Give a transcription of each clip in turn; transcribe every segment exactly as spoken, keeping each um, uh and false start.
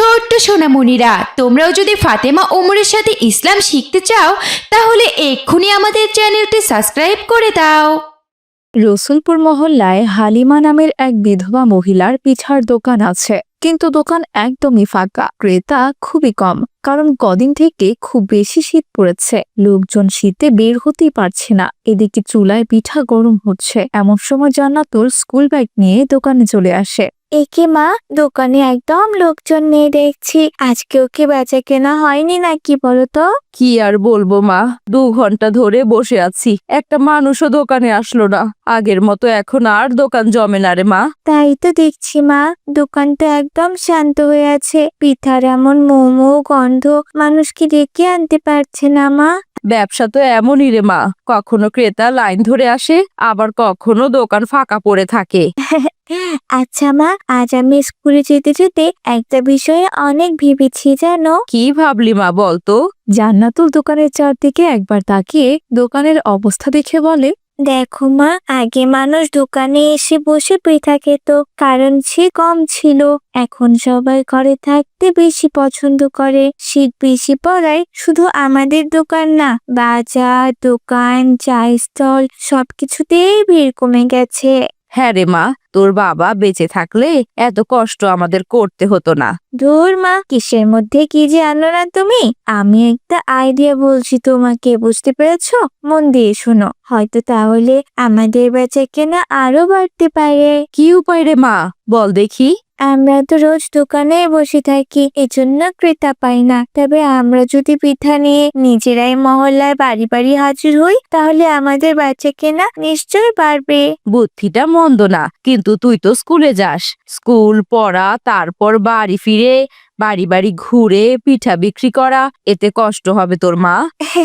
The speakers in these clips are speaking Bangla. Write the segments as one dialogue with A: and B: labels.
A: ছোট্ট সোনামণিরা, তোমরাও যদি ফাতেমা ওমরের সাথে ইসলাম শিখতে চাও তাহলে এক্ষুনি আমাদের চ্যানেলটি সাবস্ক্রাইব করে দাও।
B: রসুলপুর মহল্লায় হালিমা নামের এক বিধবা মহিলার পিঠার দোকান আছে, কিন্তু দোকান একদমই ফাঁকা, ক্রেতা খুবই কম। কারণ কদিন থেকে খুব বেশি শীত পড়েছে, লোকজন শীতে বের হতেই পারছে না। এদিকে চুলায় পিঠা গরম হচ্ছে, এমন সময় জান্নাতুল স্কুল ব্যাগ নিয়ে দোকানে চলে আসে।
C: একে মা, দোকানে একদম লোকজন নেই দেখছি। আজকেও কি বেচা কেনা হয়নি নাকি বলো তো?
B: কি আর বলবো মা, দু ঘন্টা ধরে বসে আছি, একটা মানুষও দোকানে আসলো না। আগের মতো এখন আর দোকান জমে না রে মা।
C: তাই তো দেখছি মা, দোকানটা একদম শান্ত হয়ে আছে। পিঠার এমন মোমো গন্ধ, মানুষ কি ডেকে আনতে পারছে না মা?
B: ব্যবসা তো এমনই রে মা, কখনো ক্রেতা লাইন ধরে আসে, আবার কখনো দোকান ফাঁকা পড়ে থাকে।
C: আচ্ছা মা, আজ আমি স্কুলে যেতে যেতে একটা বিষয়ে অনেক ভেবেছি জানো।
B: কি ভাবলি মা বলতো? জান্নাতুল দোকানের চারদিকে একবার তাকিয়ে দোকানের অবস্থা দেখে বলে,
C: দেখো মা, আগে মানুষ দোকানে এসে বসে পিঠা খেত, কারণ সে কম ছিল। এখন সবাই ঘরে থাকতে বেশি পছন্দ করে। শীত বেশি পড়ায় শুধু আমাদের দোকান না, বাজার, দোকান, চা স্টল সবকিছুতেই ভিড় কমে গেছে।
B: হ্যাঁ রে মা, তোর বাবা বেঁচে থাকলে এত কষ্ট আমাদের করতে হতো না।
C: ধুর মা, কিসের মধ্যে কি যে আনো না তুমি। আমি একটা আইডিয়া বলছি তোমাকে, বুঝতে পেরেছো? মন দিয়ে শোনো, হয়তো তাহলে আমাদের বেচা কেনা আরো বাড়তে পারে।
B: কি উপায় রে মা, বল দেখি।
C: আমরা তো রোজ দোকানে বসে থাকি, এজন্য ক্রেতা পাই না। তবে আমরা যদি পিঠা নিয়ে নিজেরাই মহল্লায় বাড়ি বাড়ি হাজির হই, তাহলে আমাদের বেচা কেনা নিশ্চয় বাড়বে।
B: বুদ্ধিটা মন্দ না, কিন্তু তুই তো স্কুলে যাস, স্কুল পড়া, তারপর বাড়ি ফিরে বাড়ি বাড়ি ঘুরে পিঠা বিক্রি করা, এতে কষ্ট হবে তোর মা।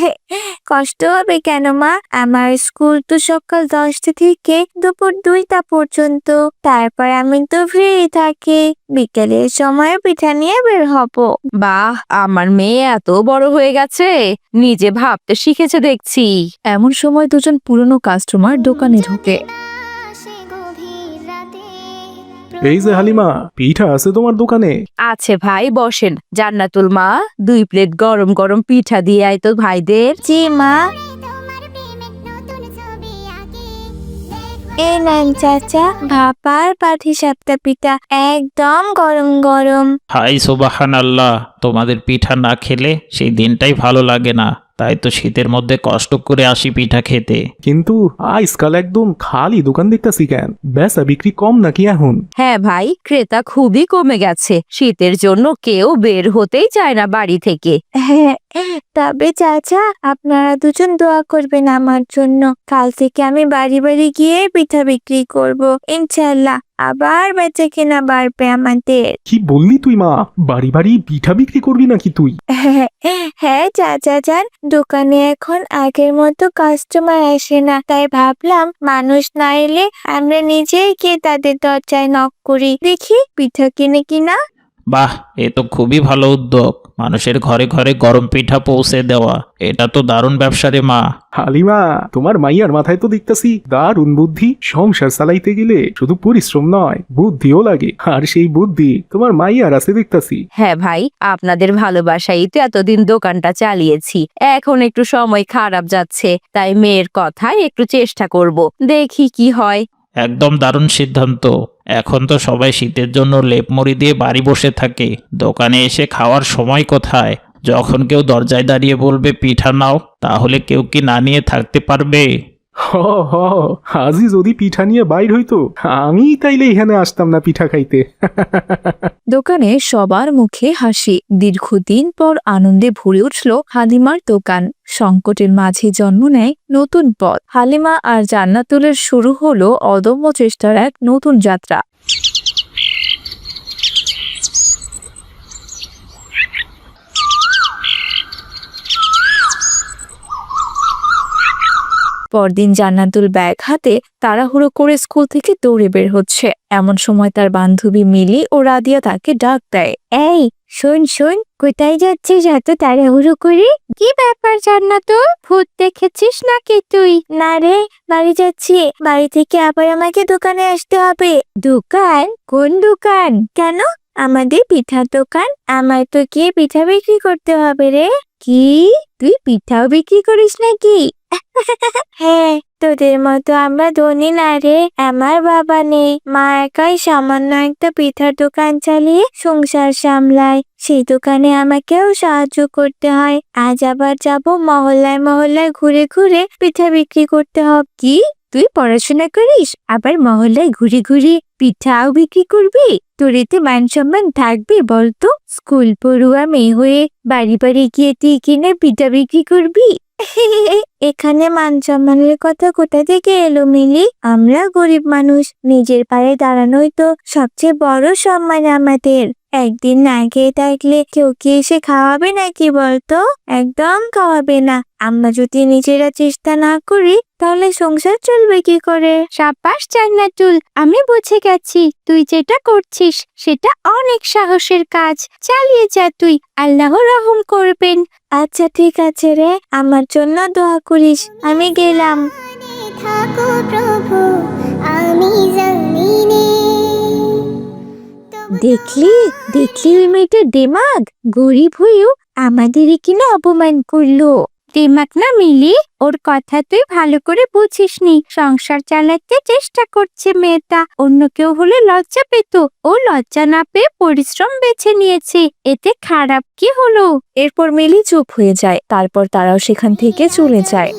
C: কষ্ট হবে কেন মা? আমার স্কুল তো সকাল দশটা থেকে দুপুর দুইটা পর্যন্ত। তারপর আমি তো ফ্রি থাকি, বিকেলের সময় পিঠা নিয়ে বের হব।
B: বাহ, আমার মেয়ে এত বড় হয়ে গেছে, নিজে ভাবতে শিখেছে দেখছি। এমন সময় দুজন পুরনো কাস্টমার দোকানে ঢোকে।
D: এই যে হালিমা, পিঠা আছে তোমার দোকানে?
B: আছে ভাই, বসেন। জান্নাতুল মা, দুই প্লেট গরম গরম পিঠা দিয়ে আয় তো ভাইদের।
C: জি মা। এই নেন চাচা, ভাপার পাঠি সাপটা পিঠা, একদম গরম গরম।
E: হাই সুবাহান আল্লাহ, তোমাদের পিঠা না খেলে সেই দিনটাই ভালো লাগে না। তাই তো শীতের মধ্যে কষ্ট করে আসি পিঠা খেতে।
D: কিন্তু আজকাল একদম খালি দোকান দেখতেছি কেন? বেচা বিক্রি কম নাকি এখন?
B: হ্যাঁ ভাই, ক্রেতা খুবই কমে গেছে। শীতের জন্য কেউ বের হতেই চায় না বাড়ি থেকে।
C: হ্যাঁ, তবে চাচা আপনারা দুজন দোয়া করবেন আমার জন্য। কাল থেকে আমি বাড়ি বাড়ি গিয়ে পিঠা বিক্রি করব ইনশাল্লাহ। আবার বেচা কেনা বাড়বে আমাদের।
D: কি বললি তুই মা? বাড়ি বাড়ি পিঠা বিক্রি করবি নাকি তুই?
C: হ্যাঁ চাচা যান, দোকানে এখন আগের মতো কাস্টমার আসে না, তাই ভাবলাম মানুষ না এলে আমরা নিজেই গিয়ে তাদের দরজায় নক করি, দেখি পিঠা কিনে কিনা।
E: বাহ, এ তো খুবই ভালো উদ্যোগ, মানুষের ঘরে ঘরে গরম পিঠা পৌঁছে দেওয়া। এটা তো দারুণ ব্যবসা রে মা।
D: হালিমা, তোমার মাইয়ার মাথায় তো দেখতেছি দারুণ বুদ্ধি। সংসার চালাইতে গেলে শুধু পরিশ্রম নয়, বুদ্ধিও লাগে, আর সেই বুদ্ধি তোমার মাইয়ার আছে দেখতেছি।
B: হ্যাঁ ভাই, আপনাদের ভালোবাসাই তো এতদিন দোকানটা চালিয়েছি। এখন একটু সময় খারাপ যাচ্ছে, তাই মেয়ের কথায় একটু চেষ্টা করব, দেখি কি হয়।
E: একদম দারুণ সিদ্ধান্ত। এখন তো সবাই শীতের জন্য লেপমুড়ি দিয়ে বাড়ি বসে থাকে, দোকানে এসে খাওয়ার সময় কোথায়? যখন কেউ দরজায় দাঁড়িয়ে বলবে পিঠা নাও, তাহলে কেউ কি না নিয়ে থাকতে পারবে?
D: হ হ, আজই যদি পিঠা নিয়ে বাইর হইতো, আমি তাইলে এখানে আসতাম না পিঠা খাইতে।
B: দোকানে সবার মুখে হাসি। দীর্ঘদিন পর আনন্দে ভরে উঠল হালিমার দোকান। সংকটের মাঝে জন্ম নেয় নতুন পথ। হালিমা আর জান্নাতুলের শুরু হলো অদম্য চেষ্টার এক নতুন যাত্রা। পরদিন জান্নাতুল ব্যাগ হাতে তাড়াহুড়ো করে স্কুল থেকে দৌড়ে বের হচ্ছে। এমন সময় তার বান্ধবী মিলি ও রাদিয়া তাকে ডাক দেয়।
C: এই শোন শোন, কোথায় যাচ্ছিস এত তাড়াহুড়ো করে? কি ব্যাপার জান্নাতুল, ভূত দেখেছিস নাকি তুই? না রে, বাড়ি যাচ্ছি। বাড়ি থেকে আবার আমাকে দোকানে আসতে হবে। দোকান? কোন দোকান? কেন, আমাদের পিঠার দোকান। আমার তো গিয়ে পিঠা বিক্রি করতে হবে রে। কি, তুই পিঠাও বিক্রি করিস নাকি? হ্যাঁ, তোদের মতো আমরা ধনী না রে। আমার বাবা নেই, মা একাই সামান্য একটা পিঠার দোকান চালিয়ে সংসার সামলায়। সেই দোকানে আমাকেও সাহায্য করতে হয়। আজ আবার যাব মহল্লায় মহল্লায় ঘুরে ঘুরে পিঠা বিক্রি করতে হবে। কি, তুই পড়াশোনা করিস আবার মহল্লায় ঘুরে ঘুরে পিঠাও বিক্রি করবি? তোর এতে মান সম্মান থাকবে বলতো? স্কুল পড়ুয়া মেয়ে হয়ে বাড়ি বাড়ি গিয়ে তুই কিনে পিঠা বিক্রি করবি? এখানে মান সম্মানের কথা কোথা থেকে এলো মিলি? আমরা গরিব মানুষ, নিজের পায়ে দাঁড়ানোই তো সবচেয়ে বড় সম্মান আমাদের। একদিন না খেয়ে থাকলে কেউ কি এসে খাওয়াবে নাকি বলতো? একদম খাওয়াবে না। আমরা যদি নিজেরা চেষ্টা না করি তাহলে সংসার চলবে কি করে? সাব্বাস জান্নাতুল, আমি বুঝে গেছি তুই যেটা করছিস সেটা অনেক সাহসের কাজ। চালিয়ে যা তুই, আল্লাহ রহম করবেন। আচ্ছা ঠিক আছে রে, আমার জন্য দোয়া করিস। আমি গেলাম।
F: থাকো প্রভু, আমি জমিনে।
C: দেখলি দেখলি ওই মেয়েটার দেমাগ, গরিব হয়েও আমাদেরই কিনা অপমান করলো। দেমাগ না মিলি, ওর কথা তুই ভালো করে বুঝিসনি। সংসার চালাতে চেষ্টা করছে মেয়েটা, অন্য কেউ হলে লজ্জা পেত, ও লজ্জা না পেয়ে পরিশ্রম বেছে নিয়েছে, এতে খারাপ কি হলো?
B: এরপর মিলি চুপ হয়ে যায়। তারপর তারাও সেখান থেকে চলে যায়।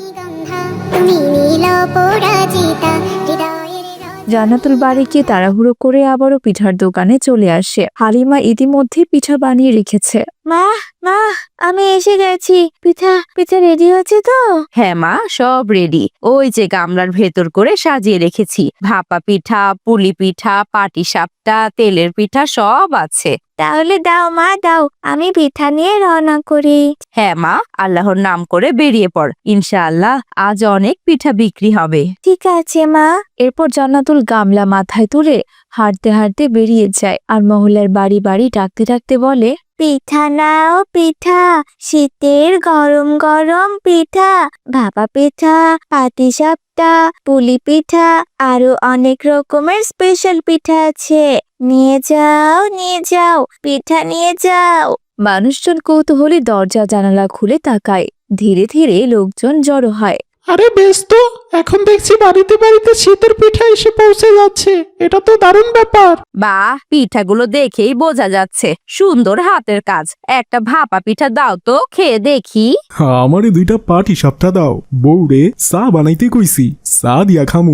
F: তুমি নীল পরাজিতা হৃদয়ের
B: জান্নাতুল বাড়ি গিয়ে তাড়াহুড়ো করে আবারও পিঠার দোকানে চলে আসে। হালিমা ইতিমধ্যে পিঠা বানিয়ে রেখেছে।
C: মা মা আমি এসে গেছি। পিঠা পিঠা রেডি হচ্ছে তো?
G: হ্যাঁ মা, সব রেডি। ওই যে গামলার ভেতর করে সাজিয়ে রেখেছি। ভাপা পিঠা, পুলি পিঠা, পাটি সাপটা, তেলের পিঠা সব আছে।
C: তাহলে দাও মা দাও, আমি পিঠা নিয়ে রওনা করি।
G: হ্যাঁ মা, আল্লাহর নাম করে বেরিয়ে পড়। ইনশাআল্লাহ আজ অনেক পিঠা বিক্রি হবে।
C: ঠিক আছে মা।
B: এরপর জান্নাতুল গামলা মাথায় তুলে হাঁটতে হাঁটতে বেরিয়ে যায় আর মহল্লার বাড়ি বাড়ি ডাকতে ডাকতে বলে,
C: পিঠা নাও পিঠা, শীতের গরম গরম পিঠা, ভাপা পিঠা, পাটিসাপটা, পুলি পিঠা, আরো অনেক রকমের স্পেশাল পিঠা আছে। নিয়ে যাও নিয়ে যাও, পিঠা নিয়ে যাও।
B: মানুষজন কৌতূহলী দরজা জানালা খুলে তাকায়। ধীরে ধীরে লোকজন জড়ো হয়।
E: আরে বেশ তো, এখন দেখছি বাড়িতে বাড়িতে শীতের পিঠা এসে পৌঁছে যাচ্ছে। এটা তো দারুণ ব্যাপার।
G: বাহ, পিঠাগুলো দেখেই বোঝা যাচ্ছে সুন্দর হাতের কাজ। একটা ভাপা পিঠা দাও তো, খেয়ে দেখি।
D: আমারে দুইটা পাটি সাপটা দাও, বউরে চা বানাইতে কইছি, চা দিয়া খামু।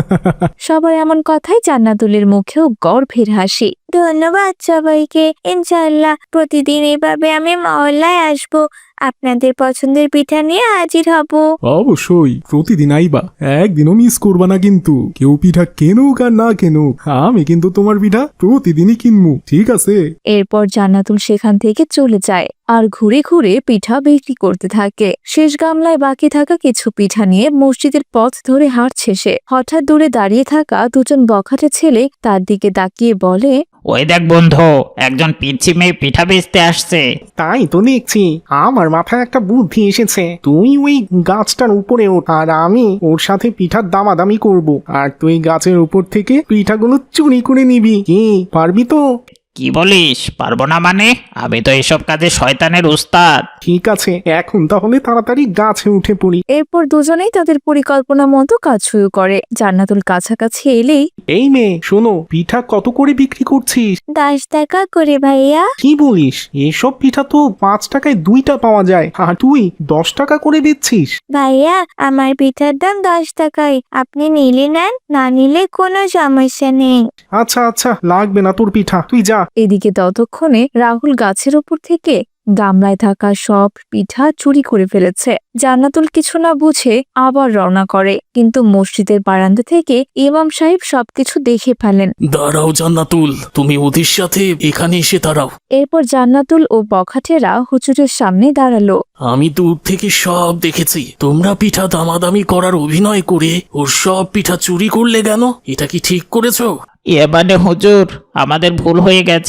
B: সবার এমন কথাই জান্নাতুলের মুখেও গর্বের হাসি।
C: ধন্যবাদ সবাইকে। ইনশাআল্লাহ প্রতিদিন এইভাবে আমি মহল্লায় আসবো, আপনাদের পছন্দের পিঠা নিয়ে হাজির হব।
D: অবশ্যই প্রতিদিন আইবা, একদিনও মিস করবা না কিন্তু। কেউ পিঠা কেনুক আর না কেনুক, আমি কিন্তু তোমার পিঠা প্রতিদিনই কিনমু, ঠিক আছে?
B: এরপর জান্নাতুল সেখান থেকে চলে যায় আর ঘুরে ঘুরে পিঠা বিক্রি করতে থাকে। শেষ গামলায় বাকি থাকা কিছু পিঠা নিয়ে মসজিদের পথ ধরে হাঁটছে সে। হঠাৎ দূরে দাঁড়িয়ে থাকা দুজন বখাটে ছেলে তার দিকে তাকিয়ে বলে,
E: ওই দেখ বন্ধু, একজন পিচ্ছি মেয়ে পিঠা বেচতে আসছে।
H: তাই তো দেখছি, আমার মাথায় একটা বুদ্ধি এসেছে। তুই ওই গাছটার উপরে ওঠ আর আমি ওর সাথে পিঠার দামাদামি করব, আর তুই গাছের উপর থেকে পিঠাগুলো চুরি করে নিবি। কি পারবি তো?
E: কি বলিস? পারবো না মানে? আমি তো এসব কাজে শয়তানের উস্তাদ।
H: ঠিক আছে, এখন তাহলে তাড়াতাড়ি গাছে উঠে পড়ি।
B: এরপর দুজনেই তাদের পরিকল্পনা মতো কাজ শুরু করে। জান্নাতুল কাছাকাছি এলেই,
H: এই মেয়ে শোনো, পিঠা কত করে বিক্রি করছিস?
C: দশ টাকা করে ভাইয়া।
H: কি বলিস? এসব পিঠা তো পাঁচ টাকায় দুইটা পাওয়া যায়, আর তুই দশ টাকা করে দিচ্ছিস?
C: ভাইয়া আমার পিঠার দাম দশ টাকায়, আপনি নিলে নেন, না নিলে কোনো সমস্যা নেই।
H: আচ্ছা আচ্ছা, লাগবে না তোর পিঠা, তুই যা।
B: এদিকে ততক্ষণে রাহুল গাছের ওপর থেকে গামলায় থাকা সব পিঠা চুরি করে ফেলেছে। জান্নাতুল কিছু না বুঝে আবার রওনা করে, কিন্তু মসজিদের বারান্দা থেকে ইমাম সাহেব সবকিছু দেখে ফেলেন।
I: দাঁড়াও জান্নাতুল, তুমি ওদের সাথে এখানে এসে দাঁড়াও।
B: এরপর জান্নাতুল ও বখাটেরা হুজুরের সামনে দাঁড়ালো।
I: আমি দূর থেকে সব দেখেছি, তোমরা পিঠা দামাদামি করার অভিনয় করে ওর সব পিঠা চুরি করলে কেন? এটা কি ঠিক করেছো?
E: এ মানে হুজুর, আমাদের ভুল হয়ে গেছে।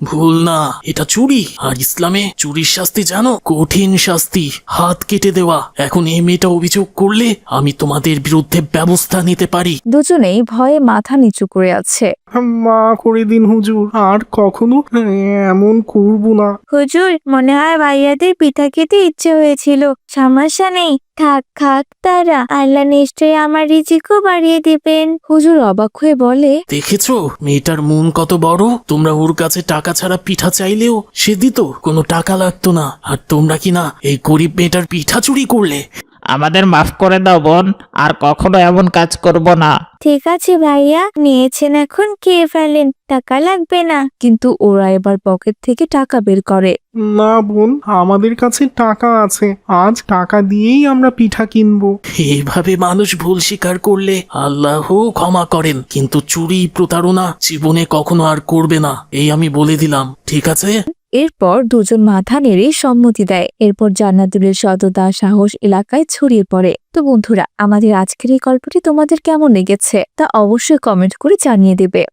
I: ভুল না, এটা চুরি। আর ইসলামে চুরির শাস্তি জানো? কঠিন শাস্তি, হাত কেটে দেওয়া। এখন এই মেয়েটা অভিযোগ করলে আমি তোমাদের বিরুদ্ধে ব্যবস্থা নিতে পারি।
B: দুজনেই ভয়ে মাথা নিচু করে আছে।
H: মা করে দিন হুজুর, আর কখনো এমন করবো না।
C: হুজুর, মনে হয় ভাইয়াদের পিঠা খেতে ইচ্ছে হয়েছিল। সমস্যা নেই, থাক খাক তারা, আল্লাহ নিশ্চয়ই আমার রিজিকও বাড়িয়ে দিবেন।
B: হুজুর অবাক হয়ে বলে,
I: দেখেছো মেয়েটার মন কত বড়? তোমরা ওর কাছে টাকা ছাড়া পিঠা চাইলেও সে দিত, কোনো টাকা লাগতো না। আর তোমরা কি না এই গরিব মেয়েটার পিঠা চুরি করলে?
E: আমাদের মাফ করে দাও বোন, আর কখনো এমন কাজ করব না।
C: ঠিক আছে ভাইয়া, নিয়েছেন এখন খেয়ে ফেলেন, টাকা লাগবে না।
B: কিন্তু ওরা এবার পকেট থেকে টাকা বের করে।
H: না বোন, আমাদের কাছে টাকা আছে, আজ টাকা দিয়েই আমরা পিঠা কিনবো।
I: এইভাবে মানুষ ভুল স্বীকার করলে আল্লাহ ক্ষমা করেন, কিন্তু চুরি প্রতারণা জীবনে কখনো আর করবে না, এই আমি বলে দিলাম, ঠিক আছে?
B: এরপর দুজন মাথা নেড়ে সম্মতি দেয়। এরপর জান্নাতুলের সততা সাহস এলাকায় ছড়িয়ে পড়ে। তো বন্ধুরা, আমাদের আজকের এই গল্পটি তোমাদের কেমন লেগেছে তা অবশ্যই কমেন্ট করে জানিয়ে দেবে।